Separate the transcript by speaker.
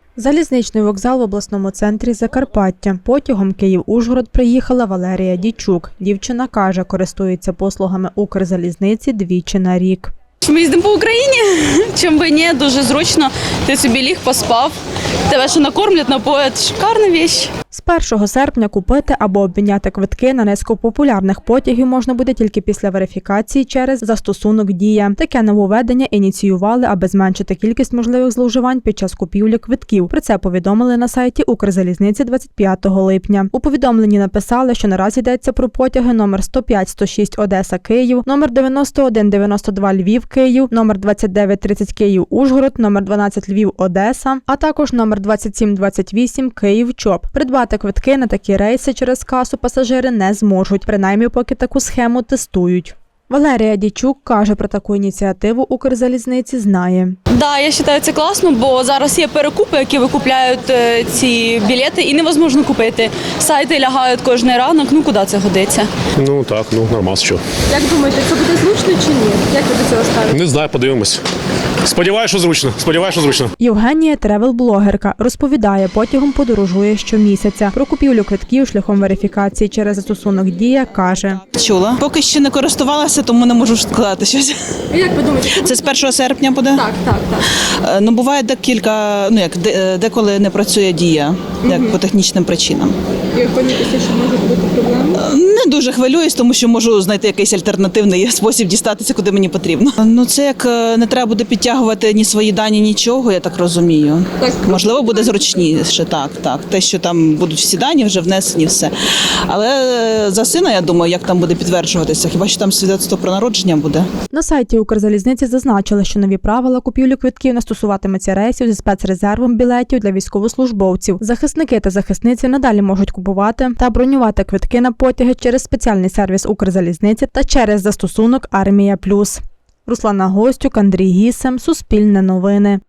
Speaker 1: Залізничний вокзал в обласному центрі Закарпаття. Потягом Київ-Ужгород приїхала Валерія Дійчук. Дівчина каже, користується послугами Укрзалізниці двічі на рік.
Speaker 2: Ми їздимо по Україні, чим би ні, дуже зручно. Ти собі ліг, поспав, тебе ще накормлять, напоять. Шикарна річ.
Speaker 1: З 1 серпня купити або обміняти квитки на низку популярних потягів можна буде тільки після верифікації через застосунок «Дія». Таке нововведення ініціювали, аби зменшити кількість можливих зловживань під час купівлі квитків. Про це повідомили на сайті Укрзалізниці 25 липня. У повідомленні написали, що наразі йдеться про потяги номер 105-106 Одеса-Київ, номер 91-92 Львів-Київ, номер 29-30 Київ-Ужгород, номер 12 Львів-Одеса, а також номер 27-28 Київ-ЧОП. Придбати квитки на такі рейси через касу пасажири не зможуть, принаймні поки таку схему тестують. Валерія Дійчук каже, про таку ініціативу Укрзалізниці знає.
Speaker 2: Так, я вважаю, це класно, бо зараз є перекупи, які викупляють ці білети і невозможно купити. Сайти лягають кожен ранок, куди це годиться?
Speaker 3: Ну так, нормас, що.
Speaker 4: Як думаєте, це буде зручно чи ні? Як ви до цього ставите?
Speaker 3: Не знаю, подивимось. Сподіваюсь, що зручно.
Speaker 1: Євгенія – тревел-блогерка. Розповідає, потягом подорожує щомісяця. Про купівлю квитків шляхом верифікації через застосунок «Дія» каже.
Speaker 5: Чула. Поки ще не користувалася, тому не можу сказати щось.
Speaker 4: А як ви думаєте?
Speaker 5: Це з 1 серпня буде?
Speaker 4: Так.
Speaker 5: Буває декілька, деколи не працює «Дія», як по технічним причинам.
Speaker 4: І хвилюєтеся, що можуть бути проблеми?
Speaker 5: Не дуже хвилююсь, тому що можу знайти якийсь альтернативний спосіб дістатися, куди мені потрібно. Це як не треба буде підтягувати ні свої дані, нічого, я так розумію.
Speaker 4: Так.
Speaker 5: Можливо, буде зручніше, так. Те, що там будуть всі дані, вже внесені, все. Але за сина, я думаю, як там буде підтверджуватися, хіба що там свідоцтво про народження буде.
Speaker 1: На сайті Укрзалізниці зазначили, що нові правила купівлі квитків не стосуватиметься рейсів зі спецрезервом білетів для військовослужбовців. Захисники та захисниці надалі можуть купувати та бронювати квитки на потяги через спеціальний сервіс Укрзалізниці та через застосунок «Армія+». Руслана Гостюк, Андрій Гісем, Суспільне новини.